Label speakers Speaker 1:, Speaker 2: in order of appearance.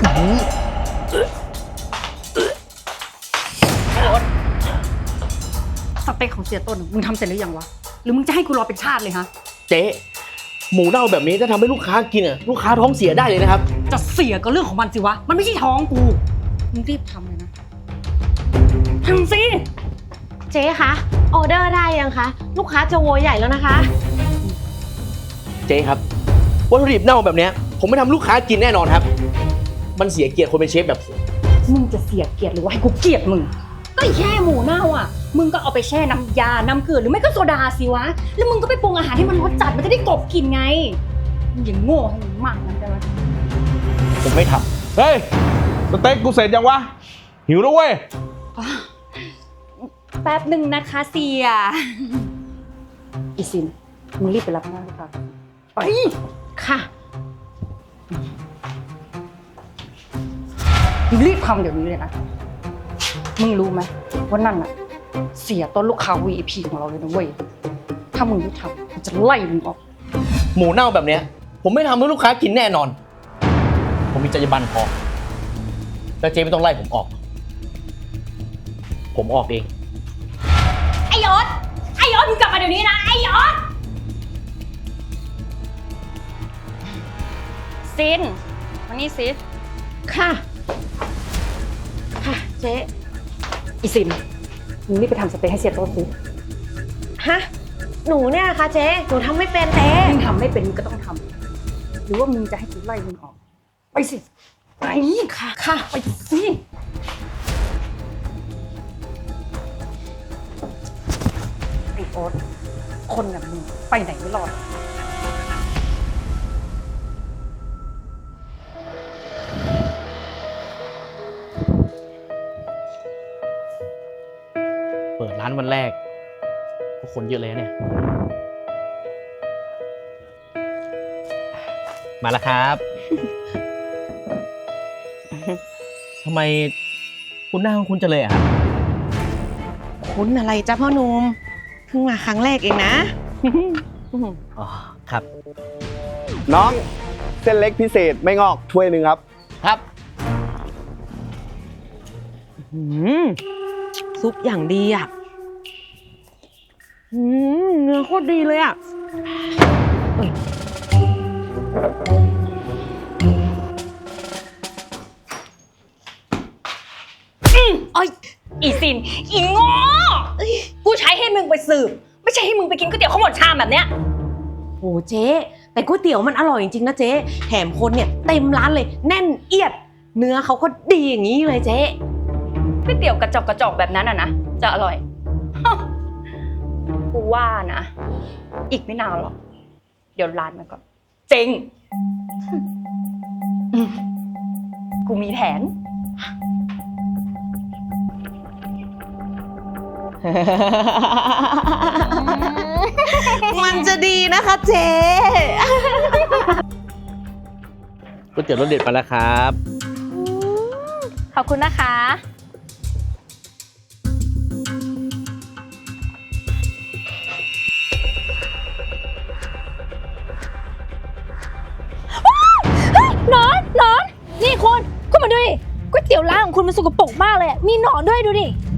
Speaker 1: สเต็กของเสียต้นมึงทำเสร็จหรือยังวะหรือมึงจะให้กูรอเป็นชาติเลยฮะ
Speaker 2: เจ๊หมูเน่าแบบนี้ถ้าทำให้ลูกค้ากินลูกค้าท้องเสียได้เลยนะครับ
Speaker 1: จะเสียก็เรื่องของมันสิวะมันไม่ใช่ท้องกูมึงรีบทำเลยนะทำสิ
Speaker 3: เจ๊คะออเดอร์ได้ยังคะลูกค้าจะโวยใหญ่แล้วนะคะ
Speaker 2: เจ๊ครับวัตถุดิบเน่าแบบนี้ผมไม่ทำลูกค้ากินแน่นอนครับมันเสียเกียรติคนเป็นเชฟแบบผม
Speaker 1: มึงจะเสียเกียรติหรือว่าให้กูเกลียดมึงก็แค่หมูเน่าอ่ะมึงก็เอาไปแช่น้ำยาน้ำเกลือหรือไม่ก็โซดาสิวะแล้วมึงก็ไปปรุงอาหารให้มันรสจัดมันจะได้กลบกลิ่นไงมึงอย่างโง่ให้มึงมากนั้นได้ไหม
Speaker 2: ผมไม่ท
Speaker 4: ำเฮ้ยสเต็กกูเสร็จยังวะหิวแล้วเว้ย
Speaker 1: แป๊บหนึ่งนะคะเสียอีซินมึงรีบไปรับงานก่อนไป
Speaker 3: ค่ะ
Speaker 1: มึงรีบทำเดี๋ยวนี้เลยนะมึงรู้ไหมว่านั่นน่ะเสียต้นลูกค้า VIP ของเราเลยนะเว้ยถ้ามึงไม่ทำมันจะไล่มึงออก
Speaker 2: หมูเน่าแบบเนี้ยผมไม่ทำให้ลูกค้ากินแน่นอนผมมีจรรยาบรรณพอแล้วเจ๊ไม่ต้องไล่ผมออกผมออกเอง
Speaker 1: ไอ้ยศมึงกลับมาเดี๋ยวนี้นะไอ้ยศซินมานี่สิ
Speaker 3: ค่ะค่ะเจ๊
Speaker 1: อีซินมึงรีบไปทำสเต็กให้เสียต้นสิ
Speaker 3: ฮะหนูเนี่ยคะเจ๊หนูทำไม่เป็นเจ๊
Speaker 1: มึงทำไม่เป็นมึงก็ต้องทำหรือว่ามึงจะให้กูไล่มึงออกไปสิไปค่ะไปสิไอ้โอ๊ตคนแบบมึงไปไหนไม่รอด
Speaker 2: เปิดร้านวันแรกก็คนเยอะเลยเนี่ยมาแล้วครับทำไมคุณหน้าของคุณจะเลยอะครับ
Speaker 3: คุณอะไรจ้ะพ่อหนุ่มเพิ่งมาครั้งแรกเองนะ
Speaker 2: อ๋อครับ
Speaker 4: น้องเส้นเล็กพิเศษไม่งอกถ้วยหนึ่งครับ
Speaker 2: ครับ
Speaker 3: ซุปอย่างดีอ่ะเนื้อโคตรดีเลยอ่ะ
Speaker 1: ไอ้อีซินอีโง่กูใช้ให้มึงไปสืบไม่ใช่ให้มึงไปกินก๋วยเตี๋ยวข้าวหมดชามแบบเนี้ย
Speaker 3: โอ้เจ๊แต่ก๋วยเตี๋ยวมันอร่อยจริงๆนะเจ๊แถมคนเนี่ยเต็มร้านเลยแน่นเอียดเนื้อเขาก็ดีอย่างนี้เลยเจ๊
Speaker 1: ก๋วยเตี๋ยวกระจอกแบบนั้นอ่ะนะจะอร่อยกูว่านะอีกไม่นานหรอกเดี๋ยวร้านมันก็เจ๊งกูมีแผน
Speaker 3: มันจะดีนะคะเจ๊
Speaker 2: ก๋วยเตี๋ยวรสเด็ดมาแล้วครับ
Speaker 1: ขอบคุณนะคะ
Speaker 5: หนอนนี่คุณมาดูดิก๋วยเตี๋ยวร้านของคุณมันสกปรกมากเลยมีหนอนด้วยดูดิ